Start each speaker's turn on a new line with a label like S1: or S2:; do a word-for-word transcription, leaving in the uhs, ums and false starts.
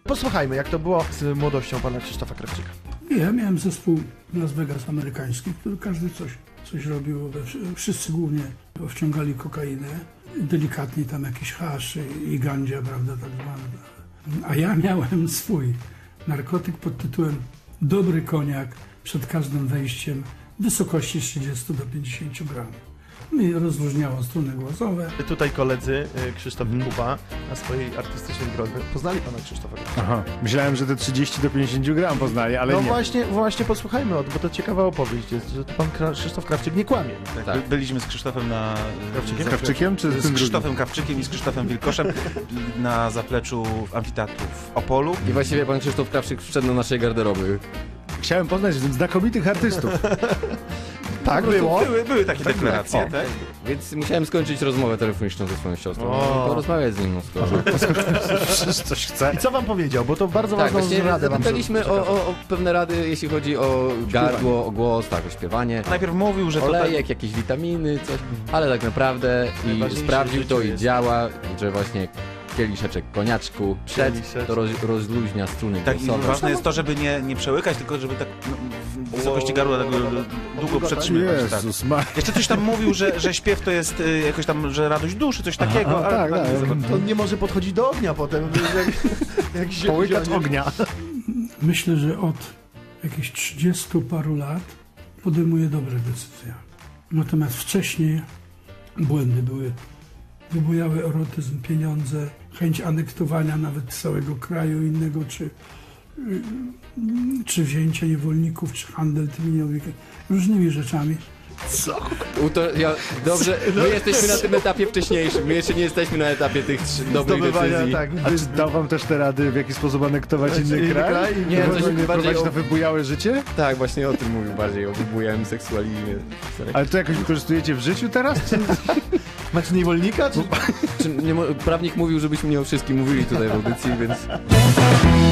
S1: Posłuchajmy, jak to było z młodością pana Krzysztofa Krawczyka.
S2: Ja miałem zespół Las Vegas amerykański, który każdy coś, coś robił. Wszyscy głównie wciągali kokainę, delikatnie tam jakiś hasz i gandzia, prawda, tak zwane. A ja miałem swój narkotyk pod tytułem Dobry koniak przed każdym wejściem w wysokości trzydzieści do pięćdziesięciu gramów. I rozróżniało struny głosowe.
S1: Tutaj koledzy Krzysztof i Kuba na swojej artystycznej drodze poznali pana Krzysztofa Krawczyka.
S3: Aha, myślałem, że te trzydzieści do pięćdziesięciu gram poznali, ale
S1: no
S3: nie.
S1: właśnie, właśnie posłuchajmy, bo to ciekawa opowieść jest, że to pan Kra- Krzysztof Krawczyk nie kłamie.
S4: Tak,
S5: Tak.
S4: by- byliśmy z Krzysztofem na...
S1: Krawczykiem?
S4: za-
S3: Krawczykiem czy z
S4: Z
S3: tym
S4: Krzysztofem Krawczykiem i z Krzysztofem Wilkoszem na zapleczu amfiteatru w Opolu.
S5: I właściwie pan Krzysztof Krawczyk wszedł do naszej garderoby.
S3: Chciałem poznać znakomitych artystów.
S1: Tak było.
S4: Były, były takie deklaracje,
S1: O.
S4: tak?
S5: Więc musiałem skończyć rozmowę telefoniczną ze swoją siostrą
S1: O.
S5: i porozmawiać z nim, no skoro.
S3: Przecież coś chce.
S1: I co wam powiedział? Bo to bardzo
S5: Tak,
S1: ważną
S5: właśnie
S1: radę wam
S5: zapytaliśmy o,
S1: przekazał.
S5: o, o pewne rady, jeśli chodzi o gardło, o głos, tak, o śpiewanie.
S4: Najpierw mówił, że to tak...
S5: Olejek, jakieś witaminy, coś, ale tak naprawdę i
S4: Najważniejsze
S5: sprawdził
S4: w
S5: to
S4: życiu
S5: i
S4: jest-
S5: działa, że właśnie kieliszeczek koniaczku przed,
S1: Kieliszeczek.
S5: to roz, rozluźnia struny
S4: Tak, i
S5: głosowe.
S4: ważne jest to, żeby nie, nie przełykać, tylko żeby tak no, w wysokości gardła tak długo przetrzymywać. Tak.
S3: Jezus ma...
S4: Jeszcze coś tam mówił, że, że śpiew to jest y, jakoś tam, że radość duszy, coś takiego,
S3: Aha,
S4: ale
S3: tak,
S4: tak,
S3: tak.
S4: nie za bardzo.
S1: On nie może podchodzić do ognia potem. Jak, jak się
S3: Połykać
S1: wziął-
S3: ognia.
S2: Myślę, że od jakichś trzydziestu paru lat podejmuje dobre decyzje. Natomiast wcześniej błędy były. Wybujały erotyzm, pieniądze, chęć anektowania nawet całego kraju innego, czy, y, czy wzięcie niewolników, czy handel tymi niewolnikami, różnymi rzeczami.
S5: U to, ja, dobrze, my jesteśmy na tym etapie wcześniejszym, my jeszcze nie jesteśmy na etapie tych trzy dobrych
S1: Zdobywania,
S5: decyzji.
S1: tak.
S3: A czy dał wam też te rady, w jaki sposób anektować inny
S1: Inny
S3: kraj?
S1: kraj?
S5: Nie,
S3: Żeby
S5: coś
S3: nie
S5: bardziej
S3: prowadzić
S5: o-
S3: na wybujałe życie?
S5: Tak, właśnie o tym mówił bardziej, o wybujałym seksualizmie.
S3: Ale to jakoś wykorzystujecie w życiu teraz? Czy...
S1: Macie niewolnika? Czy...
S5: Czy, nie, mo- prawnik mówił, żebyśmy nie o wszystkim mówili tutaj w audycji, więc...